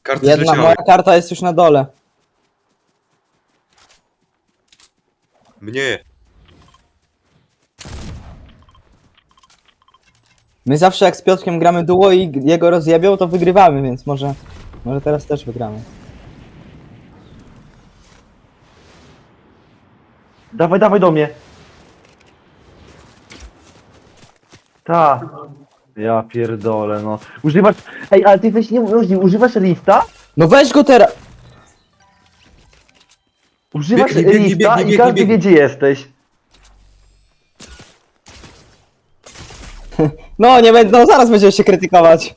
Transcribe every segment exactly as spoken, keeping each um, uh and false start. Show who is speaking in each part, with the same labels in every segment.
Speaker 1: Karty
Speaker 2: Jedna,
Speaker 1: zleciały.
Speaker 2: moja karta jest już na dole.
Speaker 1: Mnie.
Speaker 2: My zawsze jak z Piotrkiem gramy duo i jego rozjebią, to wygrywamy, więc może, może teraz też wygramy.
Speaker 3: Dawaj, dawaj do mnie. Ta. Ja pierdolę, no. Używasz... Ej, ale ty jesteś niemożliwy. Używasz lifta?
Speaker 2: No weź go teraz!
Speaker 3: Używasz
Speaker 1: Biegnij, biegnij,
Speaker 3: lifta
Speaker 1: biegnij,
Speaker 3: i
Speaker 1: biegnij,
Speaker 3: każdy wie,
Speaker 1: biegnij.
Speaker 3: gdzie jesteś.
Speaker 2: No nie będę, no zaraz będziemy się krytykować.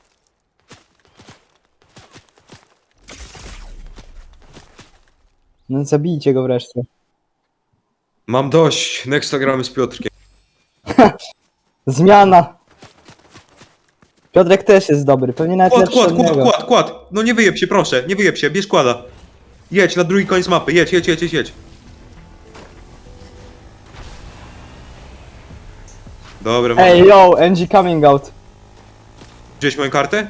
Speaker 2: No zabijcie go wreszcie.
Speaker 1: Mam dość. Nexta gramy z Piotrkiem.
Speaker 2: Zmiana! Piotrek też jest dobry, pewnie nawet
Speaker 1: Kład,
Speaker 2: lepszy
Speaker 1: kład,
Speaker 2: od
Speaker 1: kład,
Speaker 2: niego.
Speaker 1: kład, kład. No nie wyjeb się, proszę. Nie wyjeb się, bierz kłada. Jedź na drugi koniec mapy. Jedź, jedź, jedź, jedź, jedź. Dobra, mam.
Speaker 2: Ej yo, N G coming out.
Speaker 1: Wziąłeś moją kartę?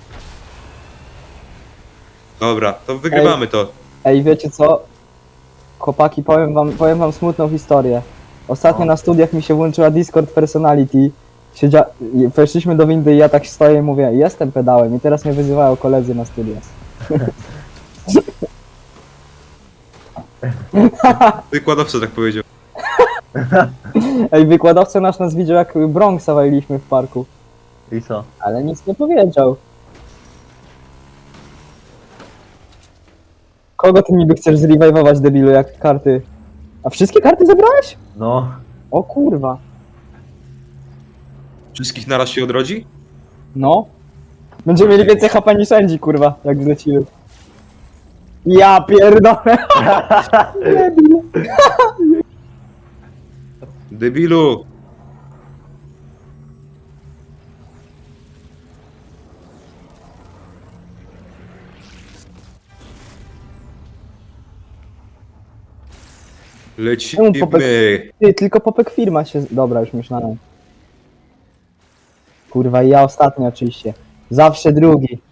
Speaker 1: Dobra, to wygrywamy to.
Speaker 2: Ej, wiecie co? Chłopaki, powiem wam, powiem wam smutną historię. Ostatnio
Speaker 3: No.
Speaker 2: na studiach mi się włączyła Discord Personality. Siedzia... i Weszliśmy do windy i ja tak stoję i mówię, jestem pedałem i teraz mnie wyzywają koledzy na studiach.
Speaker 1: Wykładowca tak powiedział.
Speaker 2: Ej, wykładowca nasz nas widział jak Bronxa waliliśmy w parku,
Speaker 3: I co?
Speaker 2: ale nic nie powiedział. Kogo ty niby chcesz zrewajwować, debilu, jak karty? A wszystkie karty zebrałeś?
Speaker 3: No.
Speaker 2: O kurwa.
Speaker 1: Wszystkich naraz się odrodzi?
Speaker 2: No. Będziemy mieli więcej H P niż sędzi, kurwa, jak zlecimy. Ja pierdolę. Debil.
Speaker 1: Debilu!
Speaker 2: Czemu popek-
Speaker 1: Lecimy!
Speaker 2: Ty, tylko popek firma się... Dobra, już myślałem. Kurwa, i ja ostatni oczywiście. Zawsze drugi.